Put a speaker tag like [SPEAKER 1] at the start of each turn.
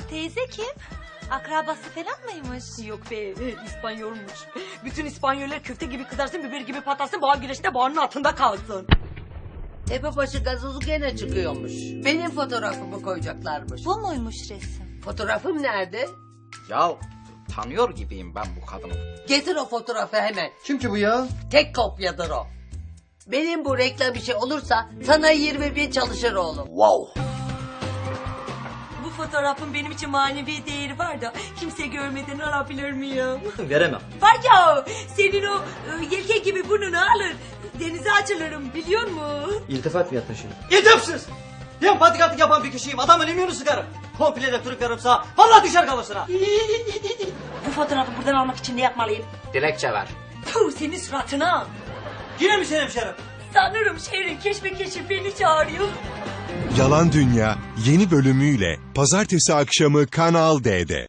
[SPEAKER 1] Teyze kim? Akrabası falan mıymış?
[SPEAKER 2] Yok be, İspanyolmuş. Bütün İspanyoller köfte gibi kızarsın, biber gibi patlasın, boğa güreşinde boğanın altında kalsın.
[SPEAKER 3] Tepebaşı gazozu gene çıkıyormuş. Benim fotoğrafımı koyacaklarmış.
[SPEAKER 1] Bu muymuş resim?
[SPEAKER 3] Fotoğrafım nerede?
[SPEAKER 4] Ya tanıyor gibiyim ben bu kadını.
[SPEAKER 3] Getir o fotoğrafı hemen.
[SPEAKER 5] Kim ki bu ya?
[SPEAKER 3] Tek kopyadır o. Benim bu reklam işi olursa sana 20 bin çalışır oğlum.
[SPEAKER 4] Wow.
[SPEAKER 2] Bu fotoğrafın benim için manevi değeri var da kimse görmeden alabilir miyim?
[SPEAKER 5] Veremem.
[SPEAKER 2] Var ya, senin o yelke gibi burnunu alır, denize açılırım biliyor musun?
[SPEAKER 5] İltifat mı yaptın şimdi?
[SPEAKER 6] İdepsiz! Ben patikatlık yapan bir kişiyim. Adamın imyonu sıkarım. Komple de tırıklarım sağa. Vallahi düşer kafasına.
[SPEAKER 2] Bu fotoğrafı buradan almak için ne yapmalıyım?
[SPEAKER 4] Dilekçe ver.
[SPEAKER 2] Puh, senin suratına.
[SPEAKER 6] Yine mi senin hemşerim?
[SPEAKER 2] Sanırım şehrin keşmekeşi beni çağırıyor.
[SPEAKER 7] Yalan Dünya yeni bölümüyle pazartesi akşamı Kanal D'de.